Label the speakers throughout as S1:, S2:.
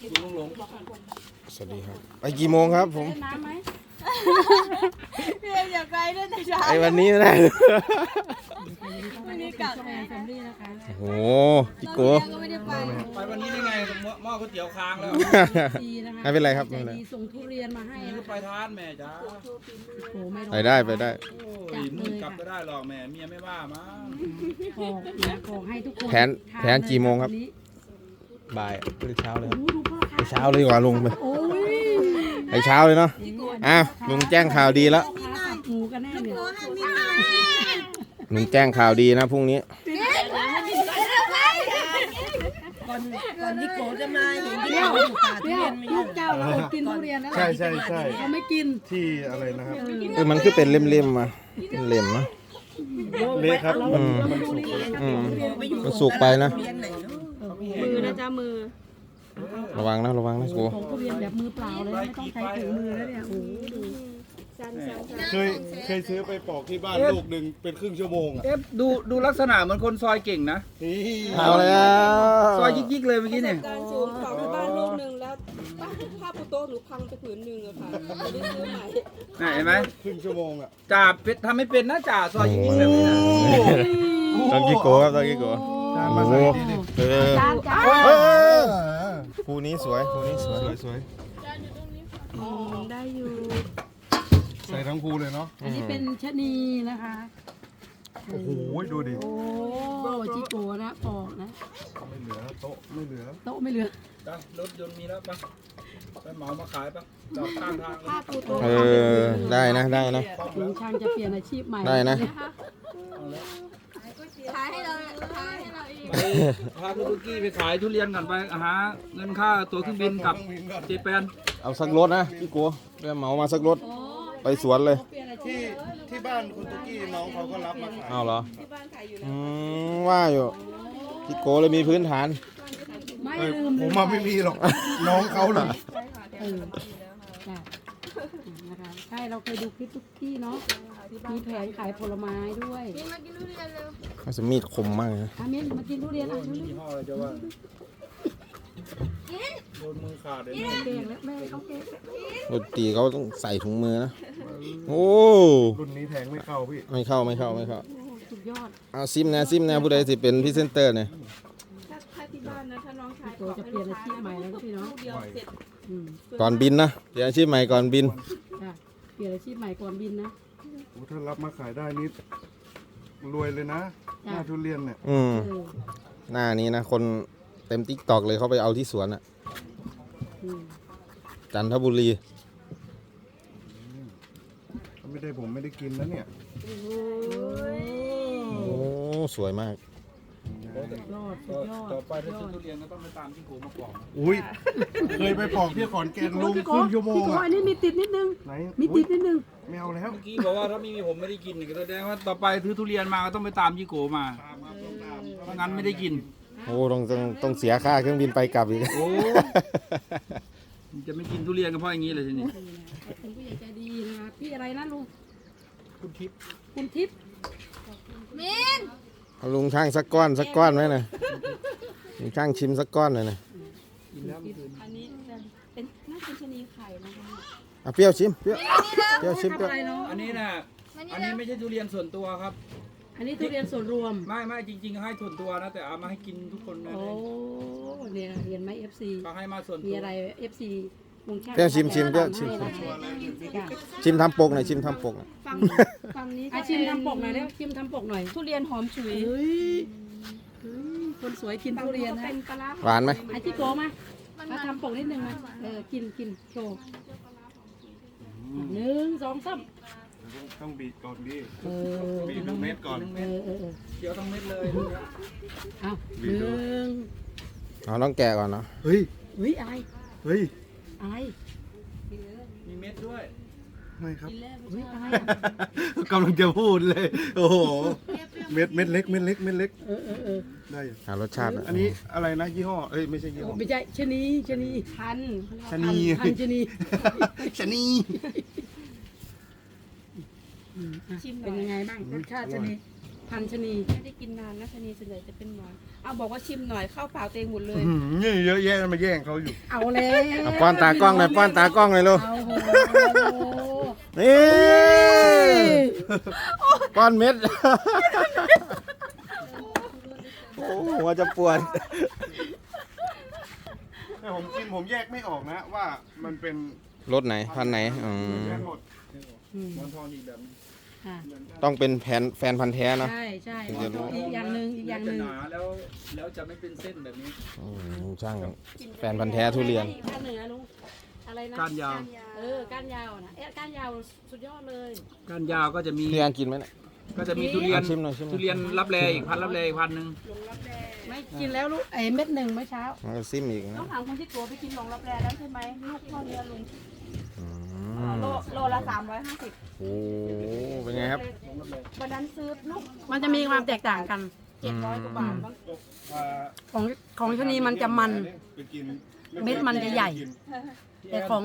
S1: ลุงหลง
S2: สวัสดีครับไปกี่โมงครับผม
S3: น้ำไหม
S4: พี่เอ็มอย่าไกลด้วยแต่เช้า
S2: ไอ้วันนี้ไม่ได้
S4: วันนี้กลับ
S3: แฟนแฟมิลี่นะคะ
S2: โอ้โหพี่โก้
S4: ก็ไม่ได้ไป
S1: ไปวันนี้ได้ไงหม้อก๋วยเตี๋ยวค้างแล้ว
S3: ดีนะคะ
S2: ไม่เป็นไรครับ
S3: ใจ
S2: ไม่เป็นไร
S3: ดีส่งทุเรียนมาให้
S1: นี่
S3: นะ
S1: ไปทานแม่จ้า
S3: โอ้โหไม่ร้อน
S2: ไปได้ไปได้
S1: โอ้ยมึงกลับก็ได้หรอกแม่เมียไม่ว่ามั้ง
S3: บอกนะบอกให้ทุกคน
S2: แผนกี่โมงครับ
S3: วันนี้
S2: บ่ายหรือเช้าเลยครับ
S3: โอ้ดูพ่อ
S2: ไป
S3: ค่ะ
S2: เช้าเลยดีกว่าลุงไป
S3: โอ้ย
S2: ไปเช้าเลยเนาะอ้าวลุงแจ้งข่าวดีแล้ว
S3: พ่อค้าสับหมูกันแน่เนี่ย
S2: ลุงแจ้งข่าวดีนะพรุ่งนี้
S4: ก่อนที่โกจะมาเห็นที่
S3: เดี๋ยว
S4: เราอยู่ป่าทุ
S3: เดี๋ย
S4: เรี
S3: วย
S4: นไม่
S3: ลู
S4: อยู่
S3: กเจ้าเราอดกินทุเรียนแล้ว
S5: ใช่ใช่ใช่
S3: เราไม่กิน
S5: ที่อะไรนะครับ
S2: มันคือเป็นเล่มๆมาเล่มๆนะ
S5: เละครับ
S2: อืม
S5: มันสุกเลย
S2: อืมมันสุกไปนะ
S4: เรียนไหนเนาะ
S3: มือนะจ๊ะมือ
S2: ระวังนะระวังนะโก้
S3: ของทุเรียนแบบมือเปล่าเลยไม่ต้องใช้ถุงมือแล้วเนี่ยโอ้โหดู
S5: เคยซื้อไปปอกที่บ้านลูกหนึ่งเป็นครึ่งชั่วโมงอ่ะ
S1: เอ๊ะดูลักษณะเหมือนคนซอยเก่งนะ
S5: นี่
S2: เอาแล้ว
S1: ซอยยิกๆเลยเมื่อกี้เนี่ย
S6: การสูงของที่บ้านลูกหนึ่งแล้วผ้าปูโต๊ะหนูพังไปผืนหนึ่งอะค่ะไม่ได้ซื้อใหม่
S1: น่ะเห็นไหม
S5: ครึ่งชั่วโมงอ่ะ
S1: จ่าเป็ดทำไม่เป็นนะจ่าซอยยิกๆแบบนี้นะ
S2: ตอนกี่โก้ครับตอนกี่โก้
S5: จาน
S2: โอ้
S5: มา
S2: โห
S5: ใส่ดี
S2: เออ
S3: จานจาน
S2: เออคู่นี้สวยคู่นี้สวย
S5: สวยสวย
S3: ได้อยู่
S5: ใส่ทั้งภูเลยเนาะ
S3: อันนี้เป็นชะนีนะคะ
S5: โอ้โหดูดิ
S3: โอ้จิโกะนะปอกนะ
S5: ไม่เหลือโต๊ะไม่เหลือ
S3: โต๊ะไม่เหลือ
S1: จ้ะรถยนต์มีแล้วปะไปเหมามาขายปะจอดข้างทางเลย
S6: ผ้าปูโต๊ะ
S2: เออได้นะได้นะ
S3: ลุงช่างจะเปลี่ยนอาชีพใหม่
S2: ได้นะ
S1: เอาแล้ว
S6: ขายให้เราขายให้เราเอง
S1: ไปพาคุณตุ๊กกี้ไปขายทุเรียนก่อนไปหาเงินค่าตั๋วเครื่องบินกับเจแปน
S2: เอาสักรถนะพี่โก้ไปเหมามาสักรถไปสวนเลย
S5: ที่บ้านคุณตุ๊กกี้น้องเขาก็รับมาขาย
S2: เอาเหรอ
S6: ที่บ้านขายอยู่
S2: อืมว่าอยู่พี่โก้เลยมีพื้นฐาน
S3: ไม่
S5: เอ้ย
S3: ลืม
S5: ผมมาไม่มีหรอกน้องเขาเลย
S3: เออจ้ะนะคะใช่เราเคยดูคลิปทุกที่เนาะมีแผงขายผลไม้ด้วย
S6: มากินทุเรียนเร็ว
S2: มันจะมีดคมมากเลยนะ
S3: อามินมากินทุเรียนอ่ะ
S1: ยี่ห้ออะไรจะว่าโดนมือขาดเลยนะ
S3: เก่งแล้วแม่เขาเก่ง
S2: ดนตรีเขาต้องใส่ถุงมือนะโอ้
S5: รุ่นนี้แทงไม่เข้าพี่
S2: ไม่เข้าไม่เข้าไม่เข้า
S3: สุดยอด
S2: เอาซิมนะผู้ใดสิเป็นพรีเซนเตอร์เนี่ย
S6: ถ้าที่บ้านนะถ้าน้องชาย
S3: โกจะเปลี่ยนอาชีพใหม่แล้วพี่เนาะ
S6: เดียวเสร็จ
S3: อืม
S2: ก่อนบินนะเดี๋ยวอาชีพใหม่ก่อนบิน
S3: จ้ะเปลี่ยนอาชีพใหม่ก่อนบินนะ
S5: โอ้ถ้ารับมาขายได้นี่รวยเลยนะหน้าทุเรียนเนี่ย
S2: อืม
S3: เออ
S2: หน้านี้นะคนเต็มติ๊กตอกเลยเขาไปเอาที่สวนอะ
S3: อืม
S2: จันทบุรี
S5: ถ้าไม่ได้ผมไม่ได้กินนะเนี่ย
S2: โอ้สวยมาก
S3: ยอดสุดยอด
S1: ต่อไปถ้าซื้อทุเรียนก็ต้องไปตามที่โกมาปอก
S5: อุ้ยเคยไปปอกที่ขอนแก่นลุงครึ่งชั่วโมง
S3: พี่โก
S5: อ่ะ
S3: อันนี้มีติดนิดนึง
S5: ไหน
S3: มีติดนิดนึง
S5: ไม่เอาแล้ว
S1: เมื่อกี้บอกว่าถ้าไม่มีผมไม่ได้กินก็แสดงว่าต่อไปซื้อทุเรียนมาก็ต้องไปตามยี่โกมาเพราะงั้นไม่ได้กิน
S2: โอ้ต้องเสียค่าเครื่องบินไปกลับอีก
S1: โอ้ จะไม่กินทุเรียนก็เพราะอย่างนี้เลยทีนี้
S3: ขอบคุณผู้ใหญ่ใจดีนะคะพี่อะไรนะลุง
S1: คุณทิพย์
S3: คุณทิพย์
S6: มิน
S2: เอาลุงช่างสักก้อนไหมนะลุงช่างชิมสักก้อนหน่อยนะ
S1: กินแล้วเมื่อคืน
S6: อันนี้เป็นน่าเป็นชะนีไข่นะคะ
S2: อ่ะเปรี้ยวชิมเปรี้ยวชิม
S3: ทำ
S2: เปรี้ยว
S3: อะไรเนาะ
S1: อันนี้น่ะอันนี้ไม่ใช่ทุเรียนส่วนตัวครับ
S3: อันนี้ทุเรียนส่วนรวม
S1: ไม่จริงๆให้ส่วนตัวนะแต่เอามาให้กินทุกคนเลย
S3: โอ้เนี่ยเห็นไหม FC
S1: ก็ให้มาส่วน
S3: มี
S1: ตัว
S3: อะไร FC ลุงช่าง
S2: เปรี้ยวชิมเปรี้ยวชิม
S3: จ้ะ
S2: ชิมทำปกหน่อยชิมทำปกหน่อย
S6: ฝั่งนี้
S3: อ่ะชิมทำปกหน่อยเร็วชิมทำปกหน่อย
S6: ทุเรียนหอมฉุย
S3: เฮ้ยคนสวยกินทุเรียนนะ
S6: เป็นปลาร้า
S2: หวานไหม
S3: ไอจิโกมามาทำปกนิดนึงนะกินโชว์1 2 3
S5: ต้องบีบก่อนดิ
S3: เออ
S5: บีบทุกเม็ดก่อน
S3: เออ
S1: เคี้ยวทั้งเม็ดเลย
S3: เอา
S5: บีบดู
S2: เอาต้องแกะก่อนเนาะ
S5: เฮ้ย
S3: เฮ้ยอาย
S5: เฮ้ย
S3: อาย
S1: มีเม็ดด้วย
S5: ไม่ครับ
S3: เฮ้ยอาย
S5: กำลังจะพูดเลย โอ้โห เม็ดเล็ก เม็ดเล็ก
S3: เออ
S5: ได้อยู่
S2: หารสชาติ
S5: อันนี้อะไรนะยี่ห้อ เอ้ยไม่ใช่ยี่ห้อ
S3: ไม่ใช่ชะนี
S6: พัน
S5: ชะนี
S3: พันชะนี
S5: ชะนี
S3: เป็นยังไงบ้างรสชาติชะนีพันชะนี
S6: ไม่ได้กินนานนะชะนีส่วนใหญ่จะเป็นหนอนเอาบอกว่าชิมหน่อยเข้าปากตัวเองหมดเลย
S5: นี่เยอะแยะมาแย่งเขาอยู่
S3: เอาแล้ว
S2: เอาป้อนตากล้องหน่อยป้อนตากล้องหน่อยลูก
S3: เอาโห
S2: นี่ป้อนเม็ด โอ้หัวจะปวด
S5: แต่ผมกินผมแยกไม่ออกนะว่ามันเป็น
S2: รสไหนพันธุ์ไหนอืม
S5: แยกหมด
S3: อืม
S1: หมอนทองอีกแบบนึง
S3: ค่ะ
S2: ต้องเป็นแฟนพันธุ์แท้เนาะ
S3: ใช่ใช่
S2: ถึงจะรู้
S3: อีกอย่างหนึ่งอีกอย่างห
S1: จะ
S3: นึ่ง
S1: หนาแล้วจะไม่เป็นเส้นแบบนี้
S2: อืมช่างแฟนพันธุ์แท้ทุเรียน
S3: อีกอันหนึ่งนะลุงอะไรนะ
S1: ก้านยาว
S3: ก้านยาวนะก้านยาวสุดยอดเลย
S1: ก้านยาวก็จะมี
S2: พี่ยังกินไหมเนี่ย
S1: ก็จะมีทุเรียน
S2: ชิมหน่อยชิมหน่อย
S1: ทุเรียนรับแลอีกพันรับแลอีกพันหนึ่ง
S3: ไม่กินแล้วลูกเม็ดหนึ่งเมื่อเช้า
S2: มันก็ซิมอีก
S6: ต้อ
S2: นะ
S6: งถามคนที่ตัวไปกินหลงรับแรแล้วใช่ไหมลูกพ่อเนื้อลุง
S2: อืม
S6: โลละ350
S2: โอ้เป็นไงครับ
S6: วันนั้นซื้อลูก
S3: มันจะมีความแตกต่างกัน
S6: 700 กว่าบาทบ้าง
S3: ของชะนีมันจะมัน
S5: ไปกิน
S3: เม็ดมันจะใหญ่ แต่ของ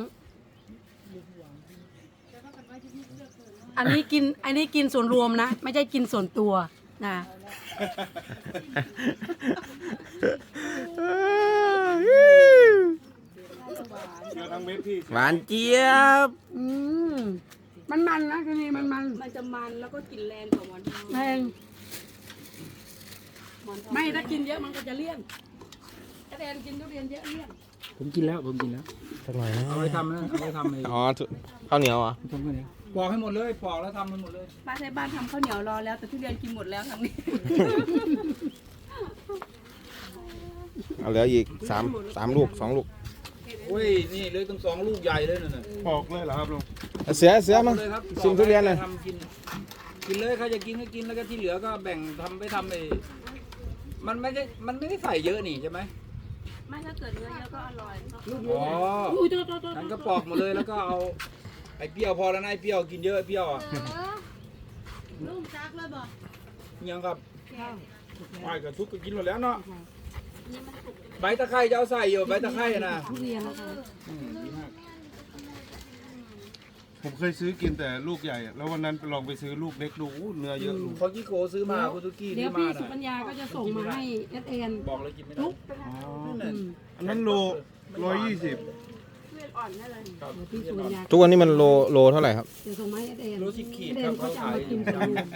S3: อันนี้กินส่วนรวมนะ ไม่ใช่กินส่วนตัวนะ
S5: เชื่อทั้งเม็ดพี่
S2: หวานเจี๊ยบ
S3: อืมมันนะชะนีมัน
S6: มันจะมันแล้วก็กลิ่นแรงกว่าหมอนทอง
S3: แรง
S6: หมอนทอง
S3: ไม่ถ้ากินเยอะมันก็จะเลี่ยนถ้าแดนกินทุเรียนเยอะเลี่ยน
S1: ผมกินแล้ว
S2: สักหน่อยนะ
S1: เอาไว้ทำนะเอาไว้ทำไอ้
S2: อ๋อข้าวเหนียวเหรอ
S1: ทำข้าวเหนียวปอกให้หมดเลยปอกแล้วทำให้หมดเลย
S6: ป้าที่บ้านทำข้าวเหนียวรอแล้วแต่ทุเรียนกินหมดแล้วทางนี้
S2: เอาเหลืออีกสามลูก2 ลูก
S1: โอ้ยนี่เลยตั้ง2 ลูกใหญ่เลยน่ะ
S5: ปอกเลยเหรอครับลุง
S2: เสือมา
S1: เลยครับ
S2: ชิมทุเรียนเลย
S1: ทำกินเลยใครจะกินก็กินแล้วก็ที่เหลือก็แบ่งทำไปทำไอ้มันไม่ได้ใส่เยอะนี่ใช่ไหม
S6: ไม่ถ้าเกิดเนื้อเยอะก็อร่อย
S1: อ๋อ
S3: อุ้ยโทษ
S1: งั้นก็ปอกหมดเลยแล้วก็เอาไอ้เปรี้ยวพอแล้วนะไอ้เปรี้ยวกินเยอะไอ้เปรี้ยวอ่ะ
S4: ลุงจักเลยบอก
S1: ยังครับไปกับทุกก็กินหมดแล้วเนาะใบตะไคร้จะเอาใส่อยู่ใบตะไคร้นะ
S3: ทุเรียนนะคะ
S1: ดีมาก
S5: ผมเคยซื้อกินแต่ลูกใหญ่อะแล้ววันนั้นไปลองไปซื้อลูกเล็กดูอู้เนื้อเยอะลุง
S1: พอกี้โกซื้อมาคุณตุกี้
S3: เดี๋
S1: ซื้
S3: ยว
S1: อมา
S3: พี่สุปัญ
S1: น่ะ
S3: ญาก็จะส่งมาให้เอ็น
S1: บอกเลยกินไม่ได้
S3: ทุก
S1: นั่น
S5: อันนั้นโล120
S6: ทุเรียนอ่อนได้เลย
S1: ครับ
S3: เดี๋ยวพี่สุปัญญา
S2: ทุกวันนี้มันโลเท่าไหร่ครับ
S3: จะส่งมาให้เอ็น
S1: โล10 ขีด
S3: เอ็
S1: ครับ
S3: นเขา
S1: เขา
S3: จะเอา
S1: ขาย
S3: มากินส่วนรวม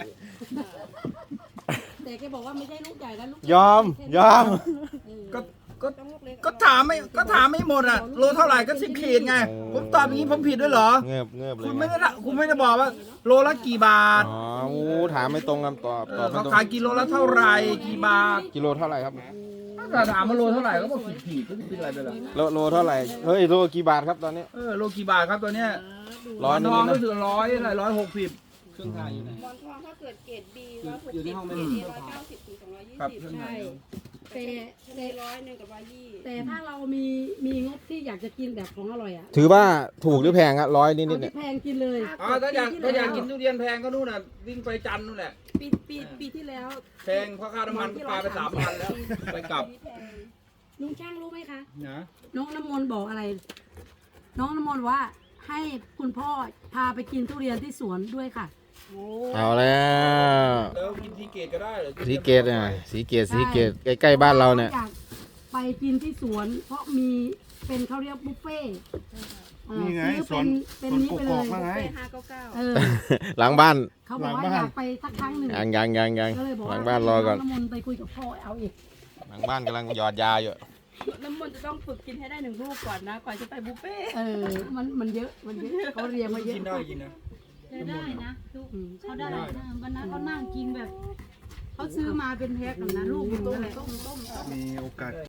S3: แต่แกบอกว่าไม่ใช่ลูกใหญ่นะลูก
S2: ยอม
S1: ก็ก็ถามไม่หมดอ่ะโลเท่าไหร่ก็10 ขีดไงผมตอบอย่างนี้ผมผิดด้วยเหรอ
S2: เงือบเลย
S1: คุณไม่ได้บอกว่าโลละกี่บาท
S2: อ๋ออู้ถามไม่ตรงคำตอบตอบไม่
S1: เขา
S2: ตรง
S1: ขายกิโลละเท่าไหร่กี่บาท
S2: กิโลเท่าไหร่ครับ
S1: ถ้าถามว่าโลเท่าไหร่ก็บอก10 ขีดก็เป็นอะไรไปล่ะ
S2: โลเท่าไหร่เฮ้ยโลกี่บาทครับตอนนี้
S1: โลกี่บาทครับตัวเนี้ย
S2: ร้อย
S1: ท
S2: นิ
S1: อง
S2: ดๆ
S1: ก็
S2: นะ
S1: คือ160เครื่องทายอยู่ไหน
S6: หมอนทองถ้าเกิดเกรด B
S1: อยู่ในห้องไม่
S6: เกร
S1: มี
S6: ด A 190 ถึง
S1: ครับ
S6: 220
S1: เครื่องทา
S3: ใช่
S1: ย
S3: แต่
S6: ใน100กับ120
S3: แต่ถ้าเรามีงบที่อยากจะกินแบบของอร่อยอ่ะ
S2: ถือว่าถูกหรือแพงครับ100 นิด
S3: เอา
S2: ๆเนี่ย
S3: ที่แพงกินเลย
S1: อ๋อถ้าอยากกินทุเรียนแพงก็นู่นน่ะวิ่งไปจันทร์นู่นแหละ
S6: ปีที่แล้ว
S1: แพงเพราะค่าน้ำมันก็ปลาไป3,000แล้วไปกลับ
S3: ลุงช่างรู้ไหมคะ
S1: นะ
S3: น้องน้ำมนต์บอกอะไร น้องน้ำมนต์ว่าให้คุณพ่อพาไปกินทุเรียนที่สวนด้วยค่ะ
S2: เอาแล้ว
S1: แล้วกินทีเกตก็ได้เหรอ
S2: สีเกตอ่ะสีเกตใกล้ๆบ้านเราเนี่ย
S3: อยากไปกินที่สวน เพราะมีเป็นเขาเรียกบุฟเฟ่ต์
S5: นี่ไง
S3: ซื้อเป็นนี้ไป
S5: ก
S3: เล
S5: อก
S3: ย
S5: ๆมาไง
S6: 599
S3: เออ
S2: หลังบ้าน
S3: เขาบอกว่า
S5: หลังบ้าน
S3: อยากไปสักครั้งหนึ่ง
S2: ยัง
S3: ก็เลยบอก
S2: หลั
S3: ว่าง
S2: บ้านรอก่อน
S3: น้ำมนต์ไปคุยกับพ่อเอาอีก
S2: หลังบ้านกำลังหยอดยาอยู่
S6: น้ำมนต์จะต้องฝึกกินให้ได้1 ลูกก่อนนะก่อนจะไปบุฟเฟ่ต์
S3: เออมันเยอะเขาเรียงมาเยอะ
S1: กินได้กินนะ
S4: ได้นะลูก
S3: อืม
S4: เขาได้นะวันนั้นเขานั่งกินแบบเขาซื้อมาเป็นแพ็คนะลูก
S3: ต้ม
S4: อะไร
S3: ต้ม
S5: มีโอกาส